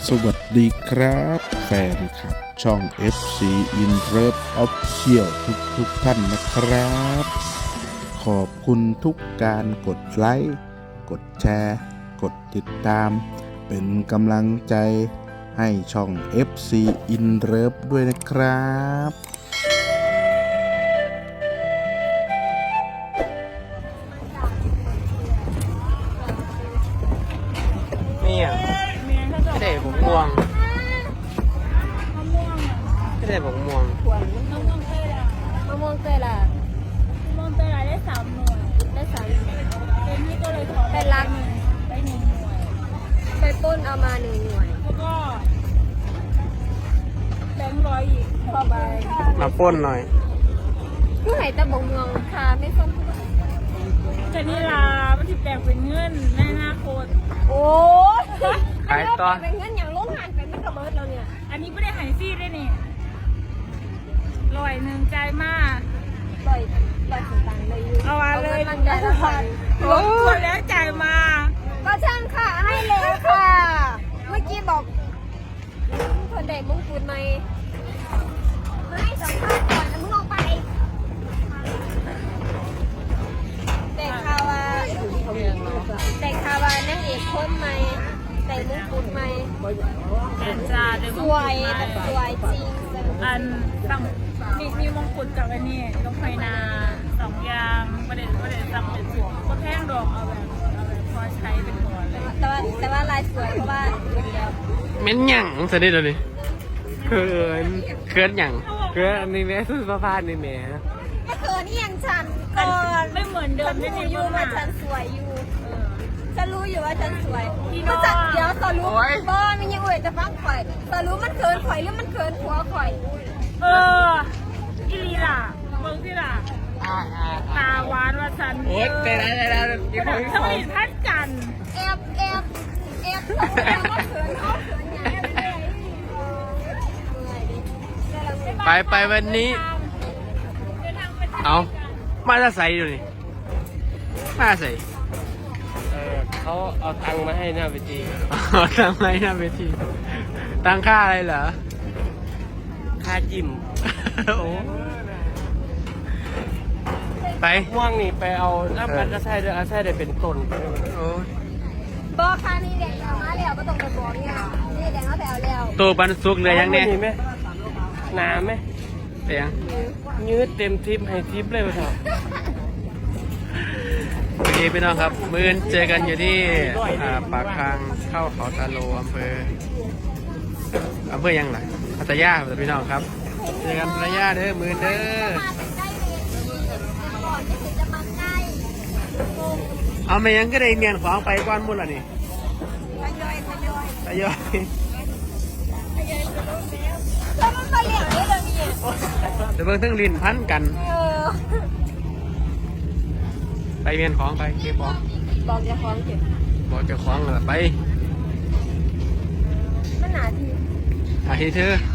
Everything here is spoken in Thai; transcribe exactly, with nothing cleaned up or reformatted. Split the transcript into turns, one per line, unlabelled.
สวัสดีครับแฟนคลับช่อง เอฟ ซี In Love Official ทุกทุกท่านนะครับ ขอบคุณทุกการกดไลค์กดแชร์กดติดตาม เป็นกำลังใจให้ช่อง เอฟ ซี In Love ด้วยนะครับ
นี่อ่ะไม่ได้ผมม่วงไม่ได้ผมม่วง
มะม่วงเตยล่ะมะม่วงเตยล่ะมะม่วงเตยล่ะได้สามหน่วยได้สามหน่วยเป็นนี่ก็เลยขอเป็นรักได้หนึ่งหน่วยไปปุ้นเอามาหนึ่งหน่วยแล้วก็แบงค์ร้อยอีกพอใบ
มาป้นหน่อย
ผู้ไหตะบงเมืองค่ะไม่ส้มแต่นี่ล่ะมันจะแปลงเป็นเงินในอนาคตโอ้
ขายต่อ
เป็นเงินอย่างโรงงานเป็นไม่กระเบิดแล้วเนี่ยอันนี้ไม่ได้หายซีดด้วยนี่ลอยหนึ่งใจมากลอยลอยถึงตังเลยอยู่เอามาเลยมันได้แล้วค่ะรบกวนแล้วจ่ายมาก็ช่างค่ะให้แล้วค่ะ เมื่อกี้บอกคนเด็กมงกุฎไหมไม่สัมภาษณ์ก่อนนะมึงลงไปเด็กคาวาเด็กคาวานั่งเอกคนไหมเด็กมงกุฎไหมแอนจาสวยแบบสวยจริงอันตั้งมีมีมงกุฎกับอันนี้ต้องไฟนาสองอย่างประเด็นประเด็นจำเป็นสวมก็แพงดอกเอาแบบเอาแบบพอใช้เป็นตัวเลยแต่ว่าแต่ว่าลายสวยเพราะว่าเดียว
เม้นหยั่งจะได้เลยเขินเขินหยั่งเขินอันนี้แม่สุดประพาสนี่แม่
ไม่เขินนี่ยังฉันก่อนไม่เหมือนเดิมฉันรู้อยู่ว่าฉันสวยอยู่ฉันรู้อยู่ว่าฉันสวยมันจัดเดี๋ยวสรู้บ้ามันยังอวยจะฟังข่อยสรู้มันเขินข่อยหรือมันเขินหัวข่อยเอออีลีล่ะเบิ้งที่ล่ะตาหวานว่าฉันโอ๊ยไปแล้วไปแล้วกินของที่สองท่านกันแอบแอบแอบแอบเขินเขาเขินไง
ไปไปวันนี้เอามาจะใส่ดูนี่มาใส่
เออเขาเอาตังค์มาให้หน้าเวที
เอาตังค์ไหมหน้าเวทีตังค่าอะไรเหรอ
ค่าจิ้ม
โอ้ไป
ม่วงนี่ไปเอาน้ำมันจะใช่ด้วยอาใช่ได้เป็นต้น
โอ้ย
บอกค่ะนี่แดงเอามาแล้วก็ต้องไปบอกเนี่ยนี่แดงเอาแต่เอาแล้ว
ตัวปันสุกเลยยังเนี่ย
มีไหมหนาไหม
เปียง
ยืดเต็มทิปให้ทิปเลยไปเถอะ
โอเคพี่น้องครับมื้อนี้เจอกันอยู่ที่อ่าปากทางเข้าเขาตาโลอำเภออำเภอยังไงพัทยาครับพี่น้องครับเจอกันพัทยาเด้อมื้อเด้อ
มาใกล้เลยก่อนที่จะมาใกล้
เอาไม่ยังก็ได้เมียนของไปก้อนมุ่นละนี่
ทยอยทยอย
ทยอย
แล้วมันมาเหลี่ยมได้เลยเนี่ย
เดี๋ยวเบิ่งทั้งลิ้นพันกัน
เออ
ไปเมียนของไปเก็บของ
บอกจะฟ้องเก็บ
บอกเจ้าของเลยไป
มันหนาที
อาทิตย์เธอ